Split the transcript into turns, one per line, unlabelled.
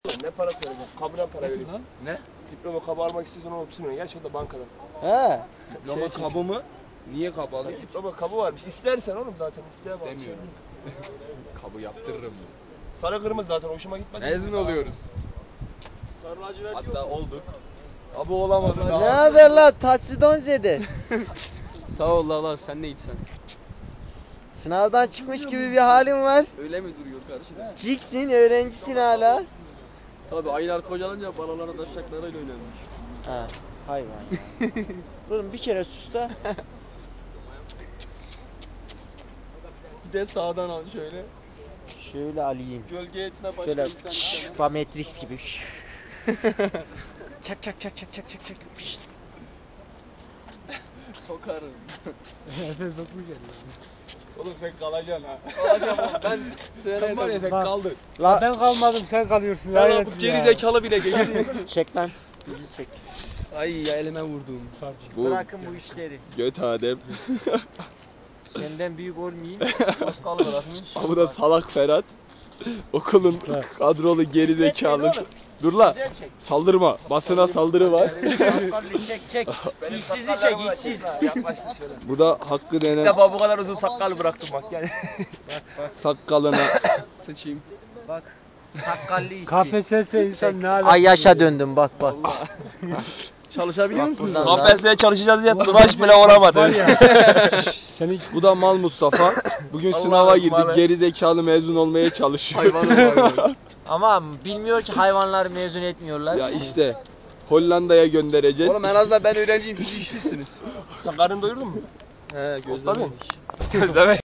Ne parası verecek? Kabına para veriyor.
Ne?
Diploma kabı almak istiyorsan 30 milyon. Gerçi o da bankadan.
He.
Diploma kabı mı? Niye kabı alayım?
Diploma kabı varmış. İstersen oğlum zaten isteye bak.
İstemiyorum. Kabı yaptırırım.
Sarı kırmızı zaten hoşuma gitmedi.
Mezun oluyoruz.
Sarı lacivert yok.
Hatta olduk. Abi olamadık.
Ne haber la taçlı donzede?
Sağ ol Allah sen ne içsen.
Sınavdan çıkmış gibi bir halin var.
Öyle mi duruyor karşıda?
Ciksin, öğrencisin hala.
Tabii aylar kocalınca balalara taşacaklarıyla oynanmış.
Ha, hayvan ya. Oğlum bir kere sus da.
Bir de sağdan al şöyle.
Şöyle alayım.
Gölge etine başka
Şöyle
insan istemem.
Matrix gibi. Çak çak çak çak çak çak çak.
Sokarım.
Oğlum sen kalacaksın ha.
Alacağım oğlum ben
Sen var ya sen
Bak.
kaldın.
La
Ben kalmadım sen kalıyorsun.
Valla
hayret
bu
ya.
geri zekalı bile geçti.
çek lan. Bizi çek.
Ay ya elime vurdum.
Bu
Bırakın bu işleri.
göt Adem.
Senden büyük olmayayım.
Sakal bırakmış.
Bu da salak Ferhat. Okulun kadrolu geri zekalısı. Dur la.
Güzel çek.
Saldırma. Basına saldırı var.
Çek çek. İşsizi çek işsiz.
Yaklaştı şöyle.
Bu da Hakkı
İlk
denen
defa bu kadar uzun sakal bıraktım bak yani.
sakkalına.
Sıçayım.
Bak. Sakallı işsiz.
KPSS insan ne alaka?
Ay yaşa döndüm bak bak.
Çalışabiliyor musunuz?
Buradan da-
KPSS'ye çalışacağız diye tıraş bile olamadı.
Var ya. Senin
Bu da Mal Mustafa. Bugün sınava girdik. Geri zekalı mezun olmaya çalışıyor.
Hayvanım var.
Ama bilmiyor ki hayvanları mezun etmiyorlar.
Ya işte Hollanda'ya göndereceğiz.
Oğlum en azından ben öğrenciyim siz işsizsiniz.
Sen karnını doyurdun mu?
He gözlerim.
Gözleme.